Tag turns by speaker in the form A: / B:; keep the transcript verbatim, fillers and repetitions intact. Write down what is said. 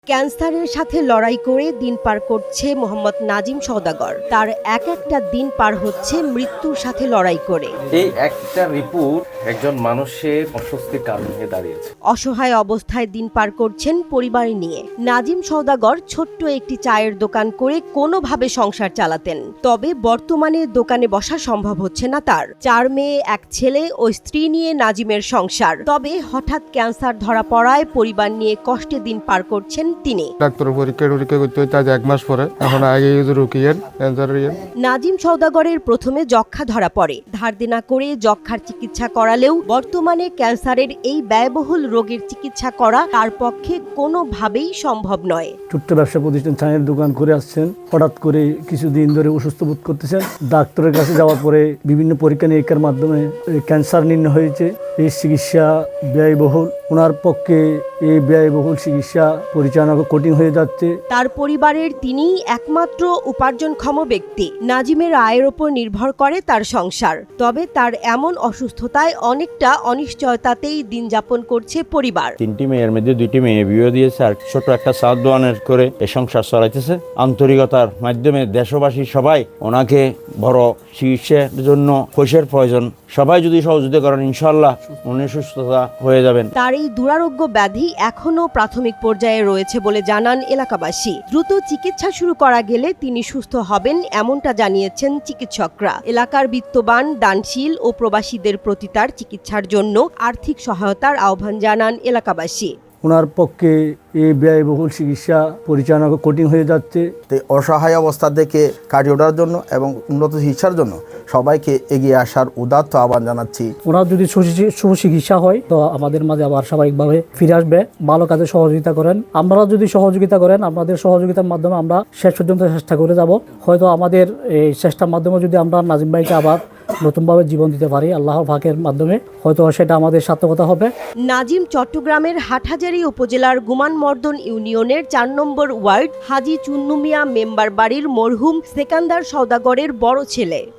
A: ক্যান্সারের সাথে লড়াই করে দিন পার করছে মোহাম্মদ নাজিম সওদাগর। তার এক একটা দিন পার হচ্ছে মৃত্যুর সাথে লড়াই করে।
B: এই একটা রিপোর্ট একজন মানুষের অস্বস্তির কারণ হয়ে দাঁড়িয়েছে।
A: অসহায় অবস্থায় দিন পার করছেন পরিবার নিয়ে। নাজিম সওদাগর ছোট্ট একটি চায়ের দোকান করে কোনোভাবে সংসার চালাতেন। তবে বর্তমানে দোকানে বসা সম্ভব হচ্ছে না তার। চার মেয়ে, এক ছেলে ও স্ত্রী নিয়ে নাজিমের সংসার। তবে হঠাৎ ক্যান্সার ধরা পড়ায় পরিবার নিয়ে কষ্টে দিন পার করছেন তিনি।
C: ডাক্তারের পরীক্ষা টরীক্ষা করতে হইতে আজ এক মাস পরে, এখন আগে রুকিয়েন ক্যান্সারের।
A: নাজিম সওদাগরের প্রথমে যক্ষ্মা ধরা পড়ে। ধার দেনা করে যক্ষ্মার চিকিৎসা করালেও বর্তমানে ক্যান্সারের এই ব্যয়বহুল রোগের চিকিৎসা করা তার পক্ষে কোনোভাবেই সম্ভব নয়।
D: ছোট্ট ব্যবসা প্রতিষ্ঠান চায়ের দোকান করে আসছেন, হঠাৎ করে কিছুদিন ধরে অসুস্থ বোধ করতেছেন। ডাক্তারের কাছে যাওয়ার পরে বিভিন্ন পরীক্ষা নিরীক্ষার মাধ্যমে ক্যান্সার নির্ণয় হয়েছে। এই চিকিৎসা ব্যয়বহুল, ওনার পক্ষে এই ব্যয়বহুল চিকিৎসা পরিচালনা কঠিন হয়ে যাচ্ছে।
A: তার পরিবারের তিনি একমাত্র উপার্জনক্ষম ব্যক্তি। নাজিমের আয়ের ওপর নির্ভর করে তার সংসার। তবে তার এমন অসুস্থতায় অনেকটা অনিশ্চয়তাতেই দিন যাপন করছে পরিবার।
E: তিনটি মেয়ের মধ্যে দুইটি মেয়ে বিয়ে দিয়েছে, আর ছোট একটা সাত দোয়ানের করে এই সংসার চলাইতেছে। আন্তরিকতার মাধ্যমে দেশবাসী সবাই ওনাকে বড় চিকিৎসার জন্য পয়সার প্রয়োজন, সবাই যদি সহযোগিতা করেন ইনশাল্লাহ উনি সুস্থতা হয়ে যাবেন।
A: তার এই দুরারোগ্য ব্যাধি এখনো প্রাথমিক পর্যায়ে রয়েছে বলে জানান এলাকাবাসী। দ্রুত চিকিৎসা শুরু করা গেলে তিনি সুস্থ হবেন এমনটা জানিয়েছেন চিকিৎসকরা। এলাকার বিত্তবান, দানশীল ও প্রবাসীদের প্রতি তার চিকিৎসার জন্য আর্থিক সহায়তার আহ্বান জানান এলাকাবাসী।
D: ওনার পক্ষে এই ব্যয়বহুল চিকিৎসা পরিচালনা কঠিন হয়ে যাচ্ছে।
F: অসহায় অবস্থা থেকে কাটিয়ে ওঠার জন্য এবং উন্নত চিকিৎসার জন্য সবাইকে এগিয়ে আসার উদাত্ত আহ্বান জানাচ্ছি।
G: ওনার যদি সুচিকিৎসা হয় তো আমাদের মাঝে আবার স্বাভাবিকভাবে ফিরে আসবে। ভালো কাজে সহযোগিতা করেন, আপনারা যদি সহযোগিতা করেন, আপনাদের সহযোগিতার মাধ্যমে আমরা শেষ পর্যন্ত চেষ্টা করে যাব। হয়তো আমাদের এই চেষ্টার মাধ্যমে যদি আমরা নাজিম ভাইকে আবার নতুনভাবে জীবন দিতে পারি আল্লাহর পাকের মাধ্যমে, হয়তো সেটা আমাদের সার্থকতা হবে।
A: নাজিম চট্টগ্রামের হাটহাজারী উপজেলার গুমানমর্দন ইউনিয়নের চার নম্বর ওয়ার্ড হাজি চুন্নু মিয়া মেম্বার বাড়ির মরহুম সেকান্দার সওদাগরের বড় ছেলে।